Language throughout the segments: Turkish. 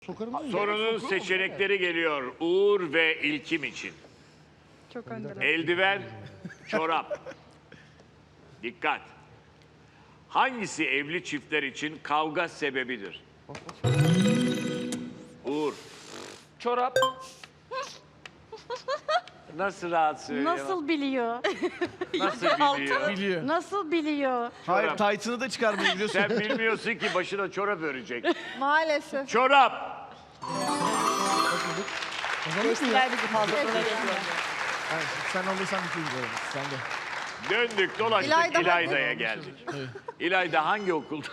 Sorunun seçenekleri geliyor Uğur ve İlkim için. Çok önde. Eldiven, çorap. Dikkat. Hangisi evli çiftler için kavga sebebidir? Uğur. Çorap. Nasıl rahat söylüyor? Nasıl biliyor? Nasıl biliyor? Biliyor. Nasıl biliyor? Hayır, taytını da çıkarmayı biliyorsun. Sen bilmiyorsun ki başına çorap örecek. Maalesef. Çorap. Geçtiler bizi fazla. Hayır, sen alırsan bir şey gidiyor. Sen de. Döndük dolaştık İlayda İlayda'ya geldik. İlayda hangi okulda?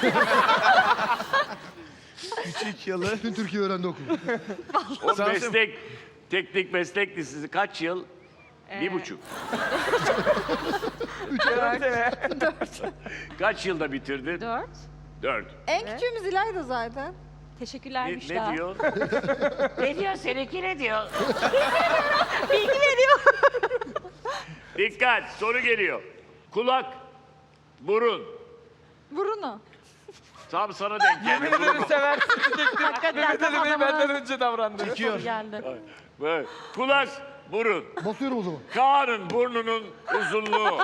Küçük yalı. Bütün Türkiye öğrendi okulu. O Sen- meslek, teknik meslek lisesi kaç yıl? 1,5. Kaç yılda bitirdin? 4. 4. En küçüğümüz İlayda zaten. Teşekkürler Ne Müştah. diyor? Ne diyor? Seninki ne diyor? Dikkat, soru geliyor. Kulak, burun. Bruno. Tam sana denk geldi. burun. Seversin diyecektim. Hakikaten Mehmet tam Ali Bey adama benden önce davrandı. Çekiyor. geldi. Evet. Kulak, burun. Basıyorum o zaman. Kaan'ın burnunun uzunluğu.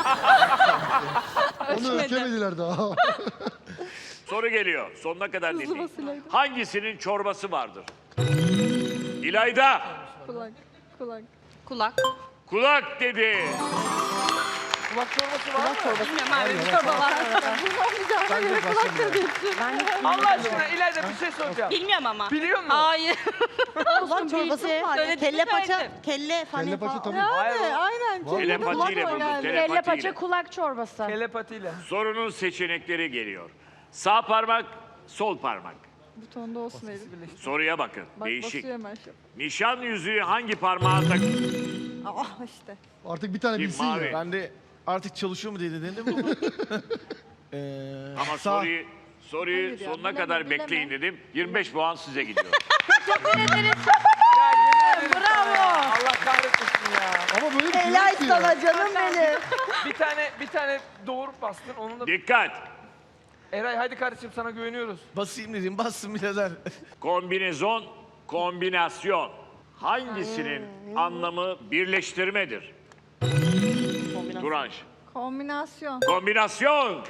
Onu ölçemediler daha. Soru geliyor. Sonuna kadar dinleyin. basılaydı. Hangisinin çorbası vardır? İlayda. Kulak. Kulak. Kulak. Kulak dedi. Kulak çorbası var mı? Bilmiyorum abi. Çorba var. Bunu olmayacağına göre kulaktır diyorsun. Allah aşkına İlayda bir şey soracağım. Bilmiyorum ama. Biliyor musun? Hayır. Kulak çorbası mı var? Söyledim, Kelle paça. söyledim. Kelle Kelle paça tabii. Yani aynen. Telepatiyle buldum. Kelle Telepatiyle. paça kulak çorbası. Telepatiyle. Sorunun seçenekleri geliyor. Sağ parmak, sol parmak. Butonda olsun elim. Soruya bakın. Bak Değişik. basıyor hemen şu. Nişan yüzüğü hangi parmağa tak? Ah işte. Artık bir tane Kim, bilsin mavi? ya. Ben de artık çalışıyor mu diye dedim ama. Ama sağ. soruyu Hayır ya, sonuna bileme, kadar bileme. bekleyin dedim. 25 puan size gidiyor. Bravo. Allah kahretmesin ya. Ama böyle bir şey yok ki ya. canım benim. Bir tane doğurup bastın. Onun da... Dikkat. Eray hadi kardeşim sana güveniyoruz. Basayım dedim, bassın birader. Kombinezon, kombinasyon. Hangisinin anlamı birleştirmedir? Duranj. Kombinasyon. Kombinasyon.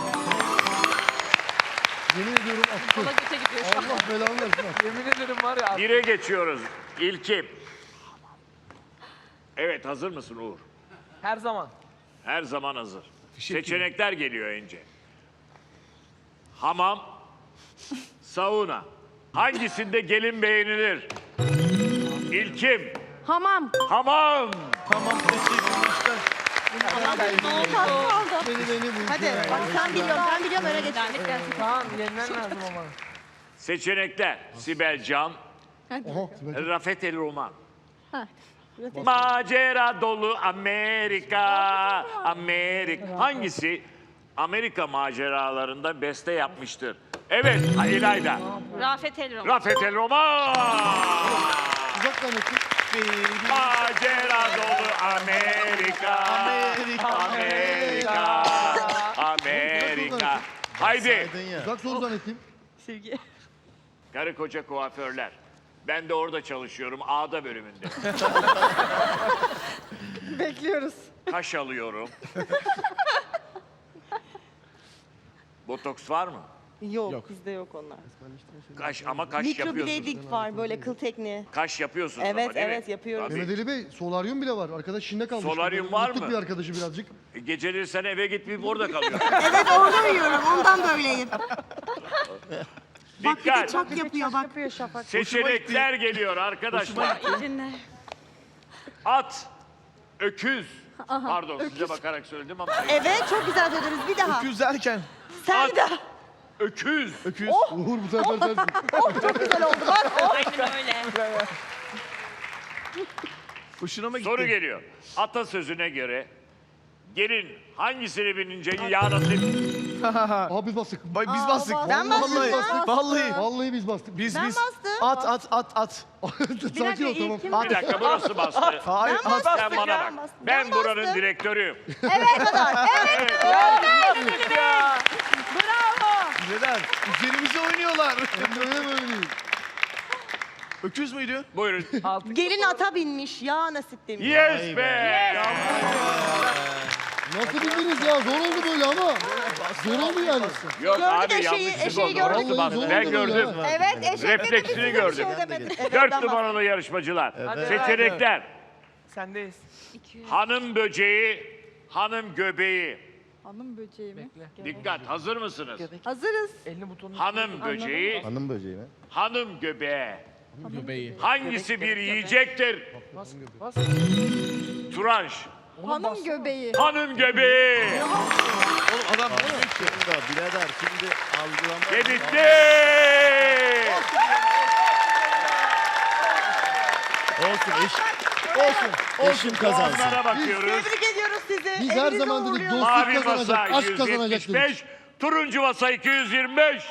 Yemin ediyorum attı. Kola göte gidiyor şu an. Allah belanı versin. ha. Yemin ederim var ya. Bire geçiyoruz. İlkim. Evet, hazır mısın Uğur? Her zaman. Her zaman hazır. Fişek Seçenekler geliyor önce. Hamam, sauna. Hangisinde gelin beğenilir? İlkim, Hamam. hamam. Tamam, teşekkürler. Beni bu. Hadi bak sen biliyorsun. Ben biliyorum öyle geç. Lanet gelsin. Tamam yenmen lazım ama. Seçenekler. Sibel Can, Aha. Sibel. Rafet El Roman. Ha. Macera dolu Amerika, Amerika. Hangisi Amerika maceralarında beste yapmıştır? Evet, İlayda. Rafet Elrom. Rafet El Roman. Uzak zannettim. Macera dolu Amerika, Amerika. Amerika, Amerika. Haydi. Saydın ya. Uzak soru zannettim. Sevgi. Karı koca kuaförler. Ben de orada çalışıyorum, A'da bölümünde. Bekliyoruz. Kaş alıyorum. Botoks var mı? Yok, Yok. bizde yok onlar. Kaş ama kaş yapıyorsunuz. Mikroblading var böyle kıl tekniği. Kaş yapıyorsunuz Evet, ama değil mi? evet, yapıyoruz. Tabii. Mehmet Ali Bey, solaryum bile var. Arkadaş Çin'de kalmış. Solaryum var Unuttuk mı? bir arkadaşı birazcık. Geceleri sen eve gitmeyip orada kalıyorsun. Evet orada uyuyorum ondan böyleyim. Dikkat! Çak yapıyor bak. Yapıyor Şafak. Seçenekler geliyor arkadaşlar. At, öküz. Pardon size bakarak söyledim ama. Evet çok güzel söyleriz bir daha. Öküz derken. Sen At, de. öküz. Öküz. Uğur bu sefer sensin. Çok güzel oldu bak. Aynen öyle. Hoşuna mı gitti? Soru geliyor. Atasözüne göre gelin hangisini binince ya nasip? Aha biz bastık. Biz bastık. Ben bastım, Vallahi. ben bastım. Vallahi. Vallahi biz bastık. Biz Ben biz. bastım. At. Sakin ol tamam. Bir dakika burası bastı. Hayır, at. Sen bana bak. Ben buranın direktörüyüm. Evet kadar. Evet. Ya. Neden? Üzerimize oynuyorlar. Öyle böyle değil. Öküz müydü? Buyurun. Altı Gelin ata binmiş. Ya nasip demiş. Yes be. Nasıl bildiniz ya? Zor oldu böyle ama. Zor oldu yani. Yok Gördük abi eşeği, yanlışlık eşeği oldu. gördük. Orası bak. Zor Ben oldu gördüm. ya. Evet eşek Refleksini dedi, gördüm. Bir şey demedik. Dört numaralı yarışmacılar. Seçenekler. sendeyiz. Hanım böceği, hanım göbeği. Hanım böceği mi? Dikkat, hazır mısınız? Hazırız. Elini butonunu. Hanım böceği, Hanım böceği mi? hanım göbeği. Göbeği. Hangisi bir yiyecektir? Bas, bas. Turanş, Hanım göbeği. hanım göbeği. Oğlum adam bilmiyor ki. Birader şimdi algılama. Ve bitti. Olsun Eşim kazansın. Puanlara bakıyoruz. Tebrik ediyoruz sizi. Biz her Evinize zaman dedik uğurluyoruz. dostluk Mavi masa kazanacak, aşk kazanacak dedik. 175, turuncu masa 225.